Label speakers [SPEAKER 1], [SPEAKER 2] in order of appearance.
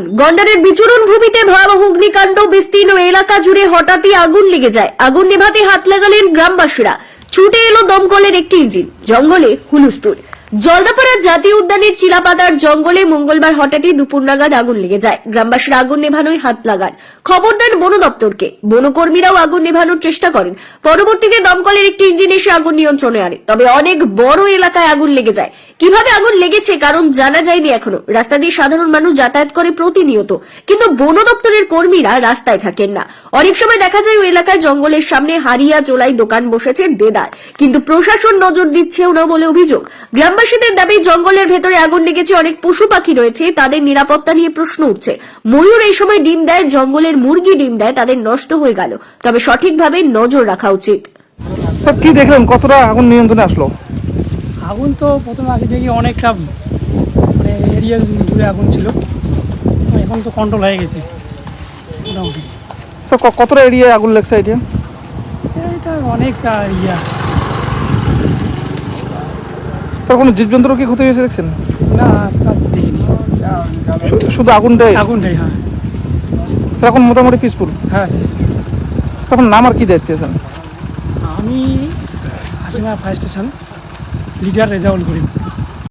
[SPEAKER 1] আগুন। গন্ডারের বিচরণ ভূমিতে ভয়াবহ অগ্নিকাণ্ড। বিস্তীর্ণ এলাকা জুড়ে হঠাৎই আগুন লেগে যায়। আগুন নেভাতে হাত লাগালেন গ্রামবাসীরা। ছুটে এলো দমকলের একটি ইঞ্জিন। জঙ্গলে হুলস্থুল। জলদাপাড়া জাতীয় উদ্যানের চিলাপাতার জঙ্গলে মঙ্গলবার হঠাৎই দুপুর নাগাদ আগুন লেগে যায়। গ্রামবাসীরা আগুন নেভানোয় হাত লাগান। খবর দেন বন দপ্তরকে। বনকর্মীরাও আগুন নেভানোর চেষ্টা করেন। পরবর্তীতে দমকলের একটি ইঞ্জিন এসে আগুন নিয়ন্ত্রণে আনে। তবে অনেক বড় এলাকায় আগুন লেগে যায়। কিভাবে আগুন লেগেছে কারণ জানা যায়নি এখনো। রাস্তা দিয়ে সাধারণ মানুষ যাতায়াত করে প্রতিনিয়ত, কিন্তু বন দপ্তরের কর্মীরা রাস্তায় থাকেন না। অনেক সময় দেখা যায় ওই এলাকায় জঙ্গলের সামনে হারিয়া চোলাই দোকান বসেছে দেদার, কিন্তু প্রশাসন নজর দিচ্ছেও না বলে অভিযোগ। গ্রামবাসীদের দাবি, জঙ্গলের ভেতরে আগুন লেগেছে, অনেক পশু পাখি রয়েছে, তাদের নিরাপত্তা নিয়ে প্রশ্ন উঠছে। ময়ূর এই সময় ডিম দেয়, জঙ্গলের মুরগি ডিম দেয়, তাদের নষ্ট হয়ে গেল। তবে সঠিকভাবে নজর রাখা উচিত।
[SPEAKER 2] স্যার কি দেখলেন, কতটা আগুন নিয়ন্ত্রণে আসলো?
[SPEAKER 3] আগুন তো প্রথমে আসে দেখি অনেকটা মানে এরিয়া জুড়ে আগুন ছিল, এখন তো কন্ট্রোল হয়ে গেছে মোটামুটি।
[SPEAKER 2] স্যার কতটা এরিয়ায় আগুন লাগছে এটা?
[SPEAKER 3] এটা অনেকটা ইয়া।
[SPEAKER 2] স্যার কোনো জীবজন্তুর কি ক্ষতি হয়েছে দেখছেন?
[SPEAKER 3] না, তা দেখিনি।
[SPEAKER 2] শুধু আগুনটাই?
[SPEAKER 3] আগুনটাই, হ্যাঁ।
[SPEAKER 2] স্যার এখন মোটামুটি পিসফুল?
[SPEAKER 3] হ্যাঁ,
[SPEAKER 2] তখন নাম আর কি দায়িত্বে স্যার?
[SPEAKER 3] আমি Hasima fire station leader Rezaul করিম।